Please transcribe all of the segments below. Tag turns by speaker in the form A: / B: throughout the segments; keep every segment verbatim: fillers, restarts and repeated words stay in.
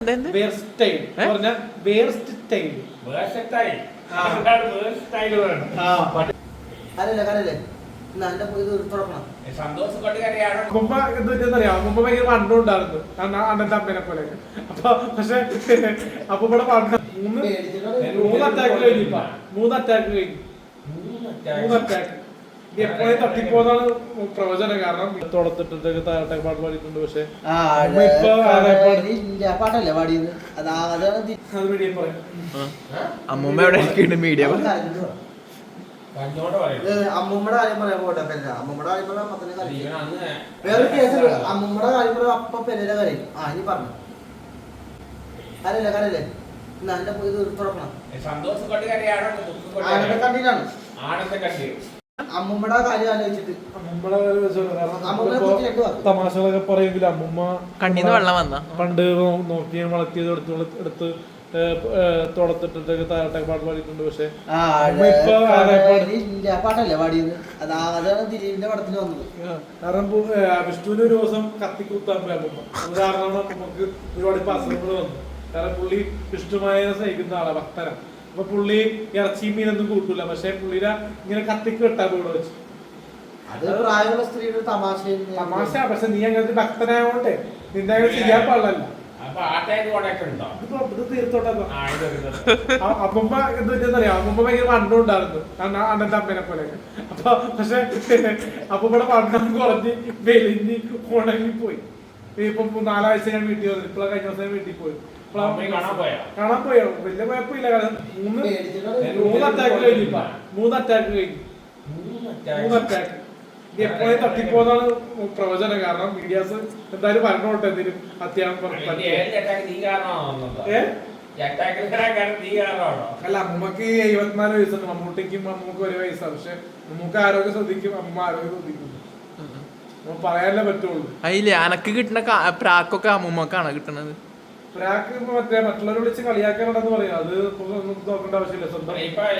A: മുമ്പ് എന്തുപറ്റിയെന്നറിയാം, മുമ്പ് ഭയങ്കര വണ്ണുണ്ടായിരുന്നു അണ്ണന്റെ അമ്മേനെ പോലെ. അപ്പൊ പക്ഷെ അപ്പൊ ഇവിടെ വണ്ണ മൂന്ന് മൂന്ന് അറ്റാക്ക് കഴിഞ്ഞു. ഇപ്പൊ മൂന്ന് അറ്റാക്ക് കഴിഞ്ഞു മൂന്ന് അറ്റാക്ക് എപ്പോഴും തട്ടിപ്പോന്നാണ് പ്രവചനം. കാരണം തുടത്തിട്ട് താഴെ പാട്ട് പാടിയിട്ടുണ്ട്. പക്ഷെ
B: പാട്ടല്ലേ പാടിയത്?
A: അത് മീഡിയ പറയാം.
B: അമ്മൂമ്മ എവിടെ മീഡിയ അമ്മൂമ്മയുടെ കാര്യം പറയാൻ പോട്ടെ. അമ്മൂമ്മയുടെ കാര്യം പറയാൻ അപ്പത്തന്നെ കരയും. വേറൊരു കേസ് അമ്മൂമ്മയുടെ കാര്യം പറയാൻ അപ്പ പെരേര കരയും. ആ ഇനി പറഞ്ഞു കരല്ലേ കരല്ലേ എന്നാ എന്റെ ഇത് തുറക്കണം. ആനന്ദ കണ്ടിട്ടാണ് അമ്മൂമ്മയുടെ കാര്യം ആലോചിച്ചിട്ട്
A: തമാശകളൊക്കെ പറയുമെങ്കിലും അമ്മൂമ്മ
B: കണ്ണീന്ന് വെള്ളം വന്ന
A: പണ്ട് നോക്കി വളർത്തിയത് എടുത്ത് എടുത്ത് തുടത്തിട്ട് താഴെ പാട്ട് പാടിയിട്ടുണ്ട്. പക്ഷെ
B: പാട്ടല്ലേ പാടിയത്? അതാണ് ദിലീപിന്റെ പടത്തിന് വന്നത്.
A: കാരണം വിഷ്ണുവിന് ഒരു ദിവസം കത്തിക്കുത്താൻ പോയി അമ്മൂമ്മ. അത് കാരണമാണ് നമുക്ക് ഒരുപാട് ഇപ്പൊ അസുഖങ്ങൾ വന്നു. കാരണം പുള്ളി വിഷ്ണുമായ സ്നേഹിക്കുന്ന ആളാ, ഭക്തനാ. അപ്പൊ പുള്ളി ഇറച്ചിയും മീനൊന്നും കൂട്ടൂല. പക്ഷെ പുള്ളിയുടെ ഇങ്ങനെ കത്തിക്ക് വെട്ടാ ഇവിടെ വെച്ച്.
B: അത് പ്രായമുള്ള സ്ത്രീയുടെ തമാശ
A: തമാശ. പക്ഷെ നീ അങ്ങനത്തെ ഭക്തനായോണ്ടേ നിന്റെ അങ്ങനെ ചെയ്യാൻ പാടില്ല. അമ്മൂമ്മ എന്തുപറ്റിയെന്നറിയാം, അമ്മൂമ്മ ഭയങ്കര വണ്ണുണ്ടായിരുന്നു അണ്ണന്റെ അമ്മേനെ പോലെ. അപ്പൊ പക്ഷെ അപ്പൊ ഇവിടെ വണ്ണം കുറഞ്ഞ് വെലിഞ്ഞ് ഉണങ്ങി പോയി. ഇപ്പൊ നാലാഴ്ച ഞാൻ വീട്ടിൽ വന്നു. ഇപ്പഴാ കഴിഞ്ഞ ദിവസം വീട്ടിൽ പോയി. കാണാൻ പോയോ? വലിയ കുഴപ്പമില്ല. കാരണം മൂന്ന് മൂന്ന് അറ്റാക്ക് കഴിഞ്ഞു. ഇപ്പൊ മൂന്ന് അറ്റാക്ക് കഴിഞ്ഞു മൂന്ന് അറ്റാക്ക് എപ്പോഴും തട്ടിപ്പോന്നാണ് പ്രവചനം. കാരണം മീഡിയാസ് എന്തായാലും പറഞ്ഞോട്ടെ എന്തെങ്കിലും അത്യാവശ്യം. അല്ല, അമ്മൂമ്മക്ക് എഴുപത്തിനാല് വയസ്സുണ്ട്. മമ്മൂട്ടിക്കും അമ്മൂക്ക് ഒരു വയസ്സാണ്. പക്ഷെ നമുക്ക് ആരോഗ്യം ശ്രദ്ധിക്കും, അമ്മ ആരോഗ്യം ശ്രദ്ധിക്കും. പറയാനേ പറ്റുള്ളൂ.
B: അതില്ലേ അനക്ക് കിട്ടുന്ന പ്രാക്കൊക്കെ അമ്മൂമ്മക്കാണ് കിട്ടണത്.
A: പ്രാക്ക് മറ്റേ മറ്റുള്ളവരെ വിളിച്ച് കളിയാക്കാനുണ്ടെന്ന് പറയാം. അത് നോക്കേണ്ട ആവശ്യമില്ല. സ്വന്തം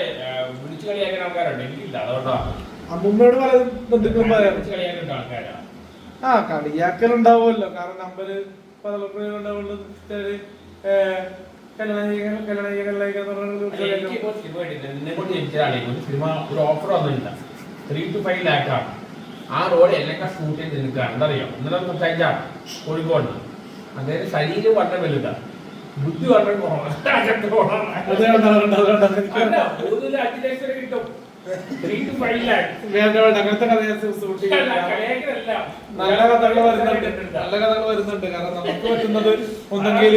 A: അമ്മൂമ്മയോട് പലതും ബന്ധുക്കളും പറയാം. ആ കളിയാക്കലുണ്ടാവുമല്ലോ. കാരണം നമ്പര് പലപ്പോഴും ഉണ്ടാവുന്നത്
C: ആ റോഡ് എല്ലാം ഷൂട്ട് ചെയ്ത് നിൽക്കുകയാണ്. എന്തറിയോ? ഇന്നലെ സംസാരിച്ചാണ് കോഴിക്കോട്. അതായത് ശരീരം വളരെ വലുതാണ്, ബുദ്ധി വളരെ കുറവാണ്. അഞ്ചു ലക്ഷം കിട്ടും.
A: അങ്ങനത്തെ കഥ നല്ല കഥകൾ വരുന്നുണ്ട്. നല്ല കഥകൾ വരുന്നുണ്ട്. കാരണം നമുക്ക് പറ്റുന്നത് ഒന്നെങ്കിൽ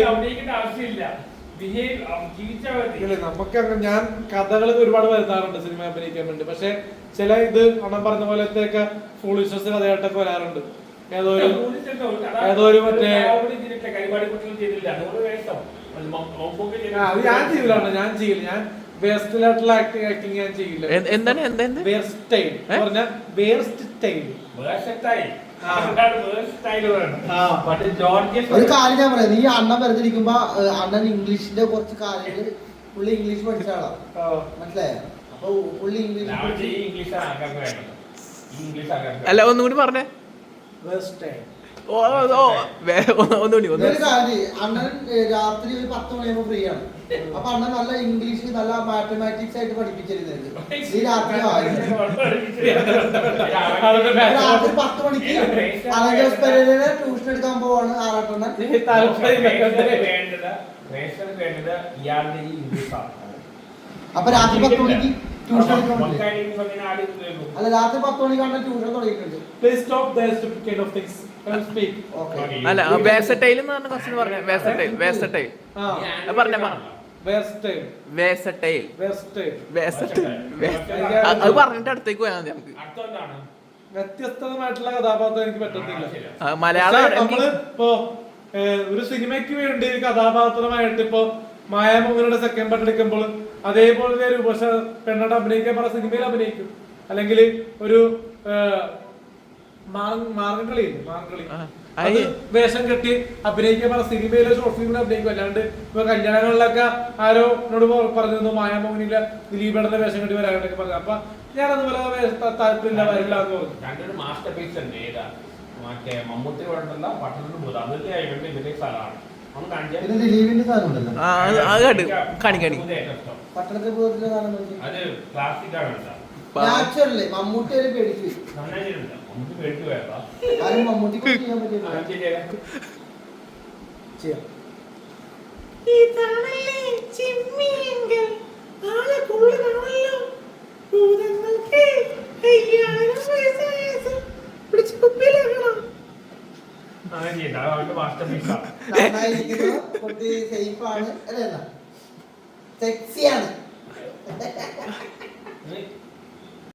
A: നമുക്ക് ഞാൻ കഥകൾ ഒരുപാട് വരുത്താറുണ്ട് സിനിമ അഭിനയിക്കാൻ വേണ്ടി. പക്ഷെ ചില ഇത് അണ്ണം പറഞ്ഞ പോലത്തെയൊക്കെ ഫൂളിഷ്നസ് കഥയായിട്ടൊക്കെ വരാറുണ്ട്. ഏതോ ഒരു ഏതോ ഒരു മറ്റേ അത് ഞാൻ ചെയ്യില്ല. ഞാൻ ചെയ്യില്ല. ഞാൻ വേസ്റ്റിലായിട്ടുള്ള ആക്ടിങ് ആക്ടിങ് ഞാൻ ചെയ്യില്ല.
B: എന്താണ് എന്താണ്
A: വേർസ്റ്റൈൽ പറഞ്ഞ വേർസ്റ്റൈൽ.
B: ഒരു കാര്യം ഞാൻ പറയാം. നീ അണ്ണൻ വെറുതിരിക്കുമ്പോ അണ്ണൻ ഇംഗ്ലീഷിന്റെ കുറച്ച് കാര്യങ്ങൾ പുള്ളി ഇംഗ്ലീഷ് പഠിച്ച ആളാ, മനസ്സിലായോ? അപ്പൊ പുള്ളി ഇംഗ്ലീഷ് അല്ല ഒന്നുകൂടി പറഞ്ഞേ. അണ്ണൻ രാത്രി ഒരു പത്ത് മണിയാകുമ്പോ ഫ്രീ ആണ്. അപ്പൊ അണ്ണൻ നല്ല ഇംഗ്ലീഷ് നല്ല മാത്തമാറ്റിക്സ് ആയിട്ട് പഠിപ്പിച്ചിരുന്നത്. ഈ രാത്രി രാത്രി പത്ത് മണിക്ക് അലങ്കോസ് പെരേരയെ ട്യൂഷൻ എടുക്കാൻ പോവാണ് ആറാട്ടെണ്ണൻ. അപ്പൊ രാത്രി പത്ത് മണിക്ക് ട്യൂഷൻ അല്ല രാത്രി പത്ത് മണിക്കാണ് ട്യൂഷൻ തുടങ്ങിയിട്ടുണ്ട്. അല്ല വേസറ്റൈൽ എന്ന് പറഞ്ഞ ക്വസ്റ്റ്യൻ പറഞ്ഞ വേസറ്റൈൽ വേസറ്റൈൽ പറഞ്ഞ വേസറ്റൈൽ അത് പറഞ്ഞിട്ട് അടുത്തേക്ക് പോയാൽ മതി. നമുക്ക്
A: വ്യത്യസ്തമായിട്ടുള്ള കഥാപാത്രം എനിക്ക് പറ്റത്തില്ല.
B: മലയാളം
A: നമ്മള് ഇപ്പോ ഒരു സിനിമയ്ക്ക് വേണ്ടി ഒരു കഥാപാത്രമായിട്ട് ഇപ്പൊ മായാമോഹനയുടെ സെക്കൻഡ് പാർട്ട് എടുക്കുമ്പോൾ അതേപോലെ ഒരു പക്ഷെ പെണ്ണോട് അഭിനയിക്കാൻ പറഞ്ഞ സിനിമയിൽ അഭിനയിക്കും. അല്ലെങ്കിൽ ഒരു മാർഗംകളി മാർഗംകളി അത് വേഷം കെട്ടി അഭിനയിക്കാൻ പറഞ്ഞ സിനിമയിലെ ഷോർട്ട് ഫിലിമിൽ അഭിനയിക്കും. അല്ലാണ്ട് ഇപ്പൊ കല്യാണങ്ങളിലൊക്കെ ആരോ എന്നോട് പറഞ്ഞിരുന്നു മായാമോഹനിലെ ദിലീപേടന്റെ വേഷം കെട്ടി വരാനൊക്കെ പറഞ്ഞു. അപ്പൊ ഞാൻ അതുപോലെ താല്പര്യമില്ല വരില്ല എന്ന് പറഞ്ഞു.
C: മറ്റേ മമ്മൂട്ടി പട്ടണത്തിൽ സ്ഥലമാണ് അവൻ കാണിച്ചാ
B: പിന്നെ ദിലീപിന്റെ സാധനം ഉണ്ടല്ലോ
D: ആ അത് അത് കണ്ടു കാണി കാണി
C: ഇത് ഏറ്റവും ഇഷ്ടം.
B: പട്ടണത്തിൽ പോയതിന്റെ സാധനം നോക്കി.
C: അത് പ്ലാസ്റ്റിക് ആണ് കേട്ടോ.
B: നാച്ചുറല് മമ്മൂട്ടി ഒരു പേടിച്ചു
C: നന്നായി ചെയ്തിട്ടുണ്ട്. നമുക്ക് പേടിച്ച് പോയതാ.
B: ആരും മമ്മൂട്ടിക്ക് ചെയ്യാൻ പറ്റില്ല
C: ആ, ശരിയാ.
B: ചെയ്യാം
A: ഇതാണല്ലേ ചിമ്മിയെങ്കിൽ ആളെ കൊള്ളണമല്ലോ ഭൂതങ്ങൾക്ക് അയ്യായിരം വയസ്സായ പിടിച്ച് കുപ്പിയിലാക്കണം.
C: അങ്ങനെ ചെയ്യണ്ട. അത് അവന്റെ മാസ്റ്റർ പീസാ.
B: നന്നായിരിക്കുന്നു കുട്ടി സേഫ് ആണ് അല്ലേ സെക്സിയാണ്
C: നീ